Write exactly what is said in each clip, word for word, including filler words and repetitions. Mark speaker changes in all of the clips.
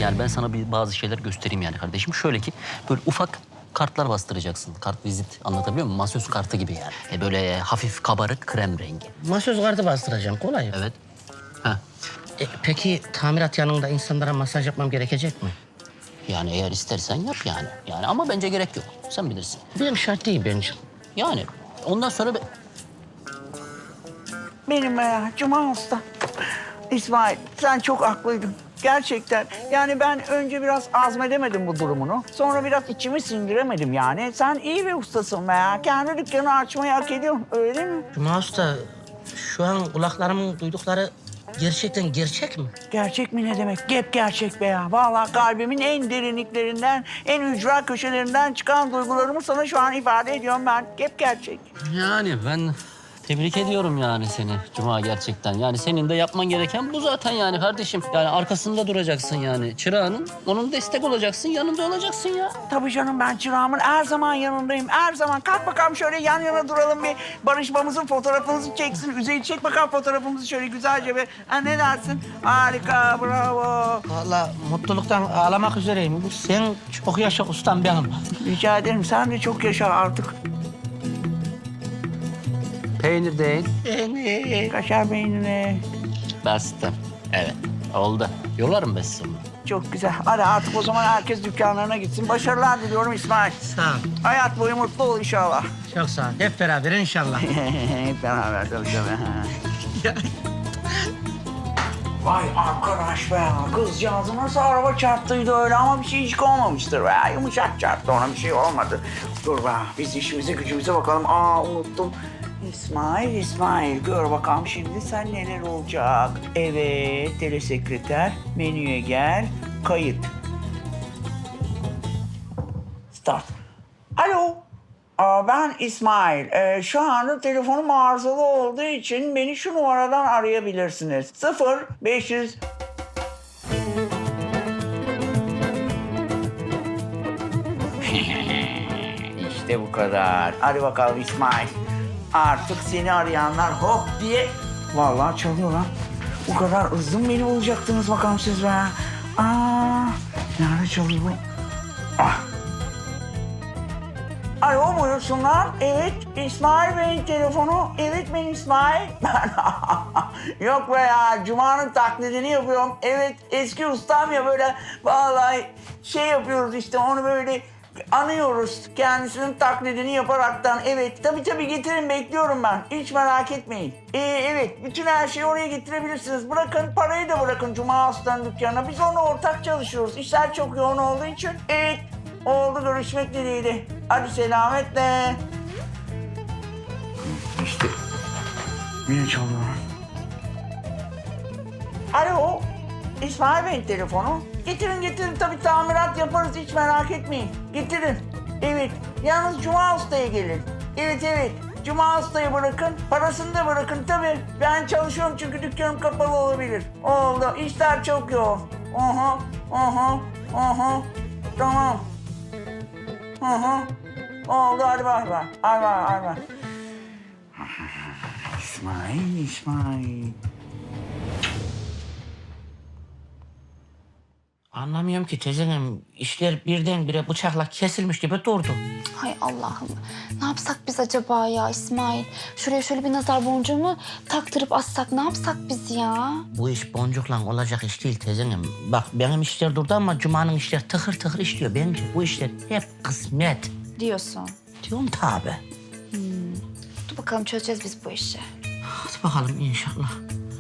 Speaker 1: Yani ben sana bir bazı şeyler göstereyim yani kardeşim. Şöyle ki böyle ufak kartlar bastıracaksın. Kart vizit, anlatabiliyor muyum? Masöz kartı gibi yani. E böyle hafif kabarık krem rengi.
Speaker 2: Masöz kartı bastıracağım, kolay.
Speaker 1: Evet. Ha.
Speaker 2: E, peki tamirat yanında insanlara masaj yapmam gerekecek mi?
Speaker 1: Yani eğer istersen yap yani. Yani ama bence gerek yok. Sen bilirsin.
Speaker 2: Benim şart değil bence.
Speaker 1: Yani ondan sonra... be-
Speaker 3: Benim ya Cuma Usta. İsmail sen çok haklıydın. Gerçekten. Yani ben önce biraz azmedemedim bu durumunu. Sonra biraz içimi sindiremedim yani. Sen iyi bir ustasın be ya. Kendi dükkanı açmayı hak ediyorsun. Öyle değil mi?
Speaker 2: Cuma Usta, şu an kulaklarımın duydukları gerçekten gerçek mi?
Speaker 3: Gerçek mi ne demek? Gep gerçek be ya. Vallahi kalbimin en derinliklerinden, en ücra köşelerinden çıkan duygularımı sana şu an ifade ediyorum ben. Gep gerçek.
Speaker 1: Yani ben tebrik ediyorum yani seni Cuma gerçekten. Yani senin de yapman gereken bu zaten yani kardeşim. Yani arkasında duracaksın yani çırağının. Onun destek olacaksın, yanında olacaksın ya.
Speaker 3: Tabii canım ben çırağımın her zaman yanındayım. Her zaman. Kalk bakalım şöyle yan yana duralım bir barışmamızın fotoğrafımızı çeksin. Üzeri çek bakalım fotoğrafımızı şöyle güzelce bir. Ha, ne dersin? Harika, bravo.
Speaker 2: Vallahi mutluluktan ağlamak üzereyim. Sen çok yaşa ustam benim.
Speaker 3: Rica ederim. Sen de çok yaşa artık.
Speaker 1: Peynir değil.
Speaker 2: Beni.
Speaker 3: Kaşar peyniri.
Speaker 1: Bastım. Evet, oldu. Yolarım ben sizi onu.
Speaker 3: Çok güzel. Hadi artık o zaman herkes dükkanlarına gitsin. Başarılar diliyorum İsmail.
Speaker 2: Sağ ol.
Speaker 3: Hayat boyu mutlu ol inşallah.
Speaker 2: Çok sağ ol. Hep beraber inşallah.
Speaker 3: Hep beraber tabii tabii. Vay arkadaş be. Kızcağızı nasıl araba çarptıydı öyle ama bir şey hiç olmamıştır be. Yumuşak çarptı ona bir şey olmadı. Dur be biz işimize gücümüze bakalım. Aa unuttum. İsmail, İsmail gör bakalım şimdi sen neler olacak. Evet telesekreter menüye gel. Kayıt. Start. Alo. Aa, ben İsmail. Ee, şu anda telefonum arızalı olduğu için beni şu numaradan arayabilirsiniz. Sıfır beş yüz... İşte bu kadar. Hadi bakalım İsmail. Artık seni arayanlar hop diye... Vallahi çalıyor lan. Bu kadar hızlı mı beni bulacaktınız bakalım siz be? Aa, nerede çalıyor bu? Ah. Alo buyursunlar. Evet İsmail Bey'in telefonu. Evet ben İsmail. Yok be ya Cuma'nın taklidini yapıyorum. Evet eski ustam ya böyle vallahi şey yapıyoruz işte onu böyle anıyoruz. Kendisinin taklidini yaparaktan. Evet tabii tabii getirin bekliyorum ben. Hiç merak etmeyin. Ee, evet bütün her şeyi oraya getirebilirsiniz. Bırakın parayı da bırakın Cuma Usta'nın dükkanına. Biz onunla ortak çalışıyoruz. İşler çok yoğun olduğu için. Evet. Oldu görüşmek dileğiyle. Hadi selametle. İşte yine çalıyor. Alo. İsmail Bey'in telefonu. Getirin getirin tabii tamirat yaparız hiç merak etmeyin. Getirin. Evet. Yalnız Cuma Usta'ya gelin. Evet evet. Cuma Usta'yı bırakın. Parasını da bırakın tabii. Ben çalışıyorum çünkü dükkanım kapalı olabilir. Oldu. İşler çok yoğun. Aha. Aha. Aha. Tamam. Hı hı. Oldu hadi bay bay. Hadi bay hadi bay. İsmail, İsmail.
Speaker 2: Anlamıyorum ki teyzenim. İşler birdenbire bıçakla kesilmiş gibi durdu.
Speaker 4: Hay Allah'ım. Ne yapsak biz acaba ya İsmail? Şuraya şöyle bir nazar boncuğu mu taktırıp assak ne yapsak biz ya?
Speaker 2: Bu iş boncukla olacak iş değil teyzenim. Bak benim işler durdu ama Cuma'nın işler tıkır tıkır işliyor bence. Bu işler hep kısmet.
Speaker 4: Diyorsun.
Speaker 2: Diyorum tabi.
Speaker 4: Dur bakalım çözeceğiz biz bu işi.
Speaker 2: Hadi bakalım inşallah.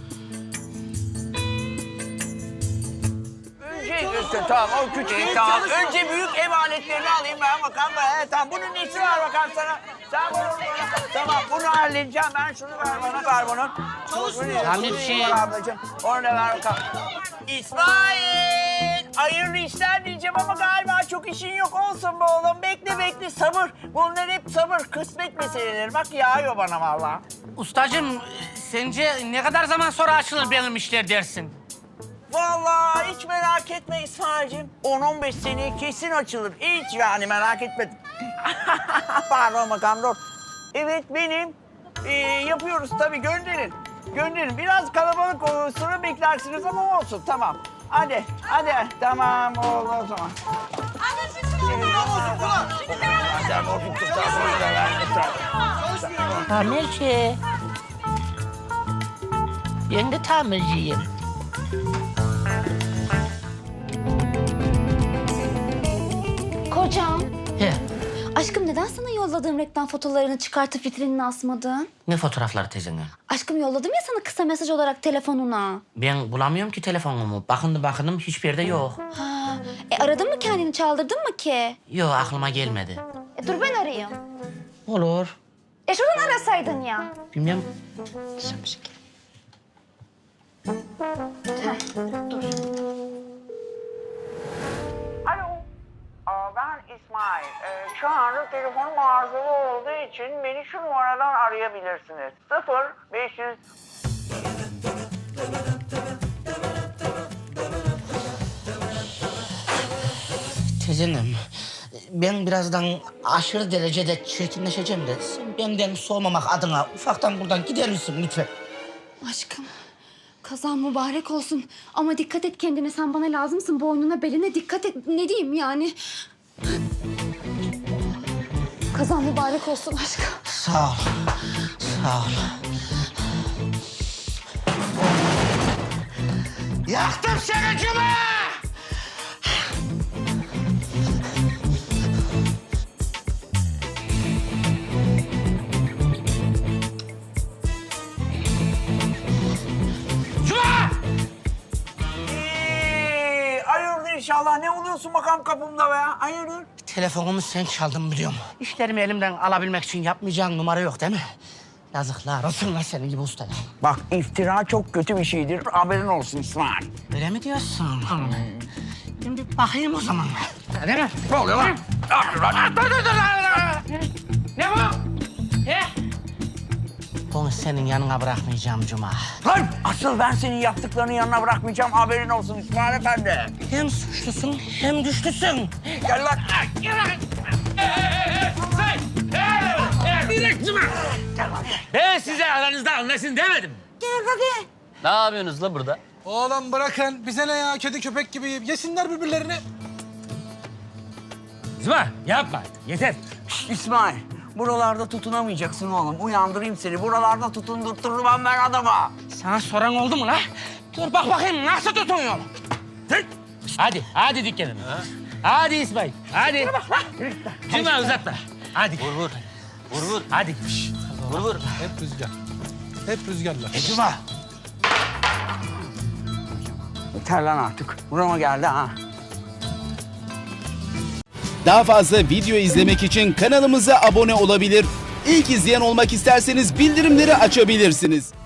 Speaker 3: Önce işte tamam o küçük değil, tamam. Önce büyük ev aletlerini alayım ben bakalım. He, tamam bunun nesi var bakalım sana. Sen bunu tamam bunu halledeceğim ben şunu ver bana ver bunu. Çalışmıyor.
Speaker 2: Tamam, bir şey.
Speaker 3: Ablacığım onu da ver bakalım. İsmail hayırlı işler diyeceğim ama galiba çok işin yok olsun be oğlum. Bekle bekle sabır. Bunlar hep sabır kısmet meseleleri. Bak yağıyor bana vallahi.
Speaker 2: Ustacığım sence ne kadar zaman sonra açılır benim işler dersin?
Speaker 3: Vallahi hiç merak etme İsmail'cim. on on beş seneye kesin açılır. Hiç yani merak etme. Pardon bakalım dur. Evet benim. Ee, yapıyoruz tabii gönderin. Gönderin. Biraz kalabalık olur sonra beklersiniz ama olsun tamam. Hadi, hadi. Tamam oldu o zaman.
Speaker 2: Tamirci. Ben de tamirciyim.
Speaker 4: Kocam.
Speaker 2: He,
Speaker 4: Aşkım neden sana yolladığım reklam fotolarını çıkartıp vitrinine asmadın?
Speaker 2: ne fotoğrafları teyzene?
Speaker 4: Aşkım yolladım ya sana kısa mesaj olarak telefonuna.
Speaker 2: Ben bulamıyorum ki telefonumu. Bakındım bakındım hiçbir yerde yok.
Speaker 4: Ha, e aradın mı kendini çaldırdın mı ki?
Speaker 2: Yok aklıma gelmedi.
Speaker 4: E dur ben arayayım.
Speaker 2: Olur.
Speaker 4: E şuradan arasaydın ya.
Speaker 2: Bilmem.
Speaker 4: Şapşik. Heh, dur.
Speaker 3: Alo. Aa, ben İsmail. Ee, şu anda telefonum arızalı olduğu için beni şu numaradan arayabilirsiniz. Sıfır beş yüz.
Speaker 2: Teyzenim, ben birazdan aşırı derecede çirkinleşeceğim de sen benden soğumamak adına ufaktan buradan gider misin lütfen?
Speaker 4: Aşkım kazan mübarek olsun. Ama dikkat et kendine, sen bana lazımsın. Boynuna beline dikkat et. Ne diyeyim yani? Kazan mübarek olsun aşkım.
Speaker 2: Sağ ol, sağ ol. Yaktım seni Cuma!
Speaker 3: Ee, hayırdır inşallah. Ne oluyorsun bakalım kapımda be? Hayırdır?
Speaker 2: Telefonumu sen çaldın biliyorum. İşlerimi elimden alabilmek için yapmayacağın numara yok değil mi? Yazıklar olsun lan senin gibi ustaya.
Speaker 3: Bak iftira çok kötü bir şeydir. Haberin olsun İsmail.
Speaker 2: Öyle mi diyorsun? Ben bir bakayım o zaman. Değil mi?
Speaker 3: Ne oluyor lan?
Speaker 2: Ne bu? He? Bunu senin yanına bırakmayacağım Cuma.
Speaker 3: Lan asıl ben senin yaptıklarının yanına bırakmayacağım. Haberin olsun İsmail Efendi.
Speaker 2: Hem suçlusun hem güçlüsün.
Speaker 3: Gel lan.
Speaker 5: Ben size aranızda anlaşın demedim.
Speaker 1: Ne yapıyorsunuz la burada?
Speaker 6: Oğlum bırakın. Bize ne ya? Kedi köpek gibi yiyip yesinler birbirlerini.
Speaker 5: Zıma yapma artık, yeter.
Speaker 3: İsmail, buralarda tutunamayacaksın oğlum. Uyandırayım seni. Buralarda tutundurtturmam ben adama.
Speaker 2: Sana soran oldu mu la? Dur bak bakayım nasıl tutunuyorum.
Speaker 5: Hadi, hadi dükkanına. Hadi İsmail, hadi. Cuma uzatma. Hadi.
Speaker 1: Vur vur. Vur vur.
Speaker 5: Hadi.
Speaker 1: Vur vur.
Speaker 6: Hep rüzgar. Hep rüzgarlar.
Speaker 2: E Cuma.
Speaker 3: Yeter lan artık. Burama geldi ha.
Speaker 7: Daha fazla video izlemek için kanalımıza abone olabilir. İlk izleyen olmak isterseniz bildirimleri açabilirsiniz.